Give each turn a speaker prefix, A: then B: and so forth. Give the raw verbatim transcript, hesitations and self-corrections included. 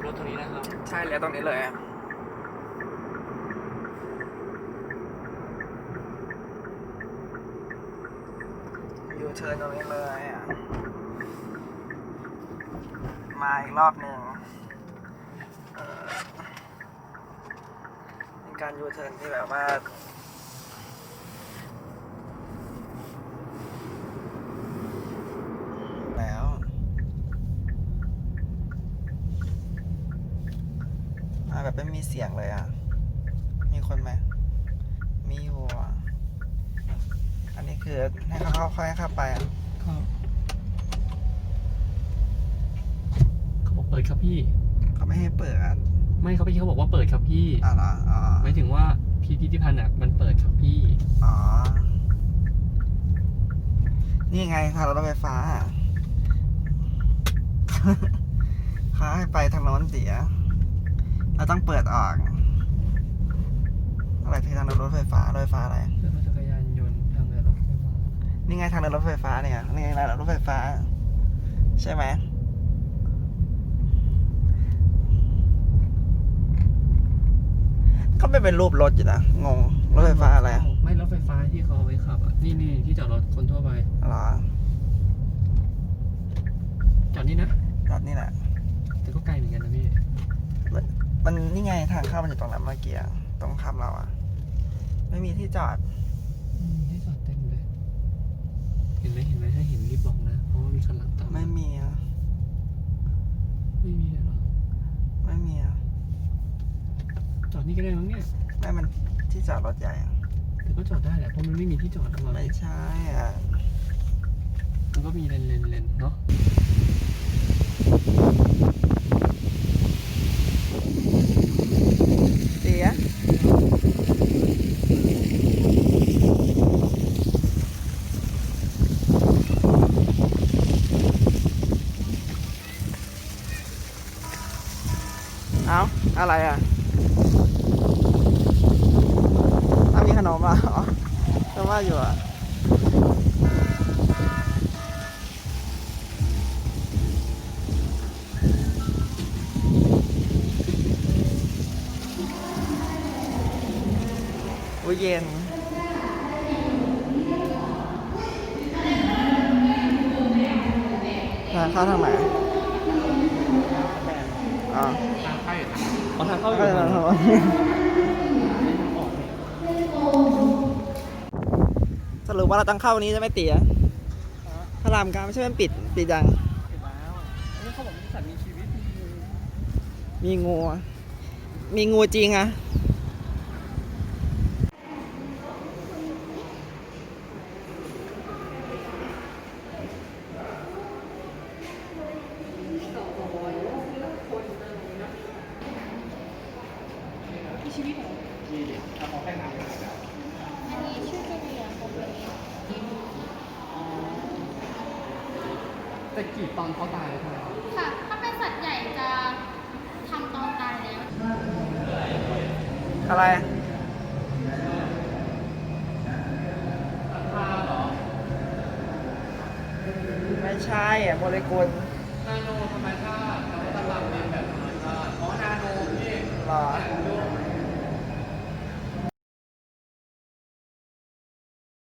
A: รถตรงนี้นะครับ
B: ใช่แล้วตรงนี้เลยยูเทิร์นตรงนี้เลยอ่ะมาอีกรอบหนึ่งเป็นการยูเทิร์นที่แบบว่าแล้วมาแบบไม่มีเสียงเลยอ่ะมีคนไหมมีอยู่อ่ะอันนี้คือให้เขาเข้าค่อยเข้าไปอ่ะ
A: ครับเขาบอกเปิดครับพี่
B: เขาไม่ให้เปิดอ่ะ
A: ไม่เขาพี่เขาบอกว่าเปิดครับพี่
B: อ๋อเหรออ๋อ
A: หมายถึงว่าพิพิธภัณฑ์อ่ะมันเปิดครับพี่
B: อ๋อนี่ไงทางรถไฟฟ้าเขาให้ไปทางโน้นเสียเราต้องเปิดออกอะไรพี่ทางรถไฟฟ้ารถไฟฟ้าอะไร
A: รถจักรยานยนต์ทางเดินรถไฟฟ้า
B: นี่ไงทางเดินรถไฟฟ้าเนี่ยนี่ไงทางเดินรถไฟฟ้าใช่ไหมก็ไม่เป็นรูปรถอยู่นะงงรถไฟฟ้าอะไร
A: ไม่รถไฟฟ้าที่เขาเอาไว้ขับอ่ะนี่นี่ที่จอดรถคนทั่วไป
B: หรอ
A: จอดนี่นะ
B: จอดนี่แหละ
A: แต่ก็ไกลเหมือนกันนะพี่
B: มันนี่ไงทางเข้ามันอยู่ตรงนั้นเมื่อกี้ตรงข้ามเราอ่ะไม่มีที่จอด
A: ที่จอดเต็มเลยเห็นไหมเห็นไหมถ้าเห็นรีบบอกนะเพราะว่ามีคันหลังตาม
B: ไม่มีอ่ะ
A: ไม่มีเลยหรอ
B: ไม่มีอ่ะ
A: จอดนี่ก็ได้มั้งเนี่ย
B: ไม่มันที่จอดรถใหญ่อ่ะ
A: แต่ก็จอดได้แหละเพราะมันไม่มีที่จอดทั้งวัน
B: ไม่ใช่อ่ะ
A: มันก็มีเลนเลนเลนเนาะ
B: เสียเอาอะไรอ่ะถ้ามีขนมอ่ะอ๋อแต่ว่าอยู่อ่ะโอ้ยเย็นทางเข้าทางไหนอ๋อ
A: ทางเข้าอยู่ทางอ๋อทางเข้าอยู่
B: ทางเข้าสรุปว่าเราต้องเข้านี้จะไม่ตีอ่ะพระรามเก้าไม่ใช่มันปิดปิดยัง
A: ปิดแล้วอันนี้เขาบอกมีสัตว์มีชีวิต
B: มีงูมีงูจริงอ่ะ
A: แต่กีดตอนเขาตายเลยใช่ไหม
C: ค่ะถ้าเป็นสัตว์ใหญ่จะทำตอนตายแล้ว
B: อะไรไม่ใช่อ่ะโมเลกุล
A: นาโนธรรมชาตินวัตกรรมเรียนแบบธรรมชาติอ๋อนาโนพี่
B: หรอ